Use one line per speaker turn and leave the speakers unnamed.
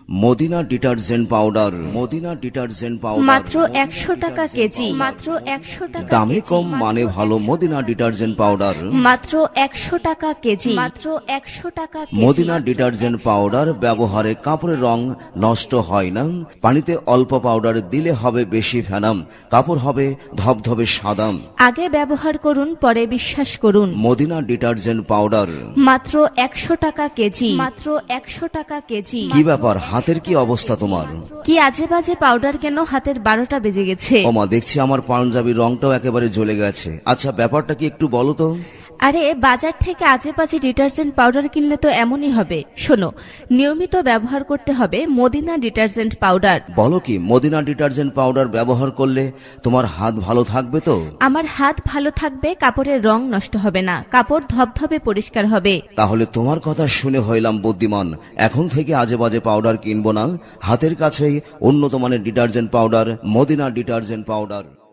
Medina detergent powder. Madina detergent powder
মাত্র 100 টাকা KG. মাত্র 100 টাকা
দামে
কেজি।
কম মানে ভালো মদিনা ডিটারজেন্ট পাউডার।
মাত্র 100 টাকা কেজি। মাত্র 100 টাকা কেজি।
মদিনা ডিটারজেন্ট পাউডার ব্যবহারে কাপড়ের রং নষ্ট হয় না। পানিতে অল্প পাউডার দিলে হবে বেশি ফেনাম, কাপড় হবে ধবধবে সাদা।
আগে ব্যবহার করুন, পরে বিশ্বাস করুন।
Madina detergent powder.
মাত্র 100 টাকা কেজি। মাত্র 100 টাকা কেজি।
কি ব্যাপার, হাতের কি অবস্থা তোমার?
কি আজে বাজে পাউডার কেন? হাতের 12টা বেজে গেছে।
ওমা, দেখছি আমার পাঞ্জাবির রংটাও একেবারে জ্বলে গেছে। আচ্ছা, ব্যাপারটা কি একটু বলো তো।
আরে বাজার থেকে আজে বাজে ডিটারজেন্ট পাউডার কিনলে তো এমনই হবে। শোনো, নিয়মিত ব্যবহার করতে হবে মদিনা ডিটারজেন্ট পাউডার।
বলো কি, মদিনা ডিটারজেন্ট পাউডার ব্যবহার করলে তোমার হাত ভালো থাকবে তো?
আমার হাত ভালো থাকবে, কাপড়ের রং নষ্ট হবে না, কাপড় ধবধবে পরিষ্কার হবে।
তাহলে তোমার কথা শুনে হইলাম বুদ্ধিমান। এখন থেকে আজে বাজে পাউডার কিনবো না, হাতের কাছেই উন্নত মানের detergent powder, Madina detergent powder.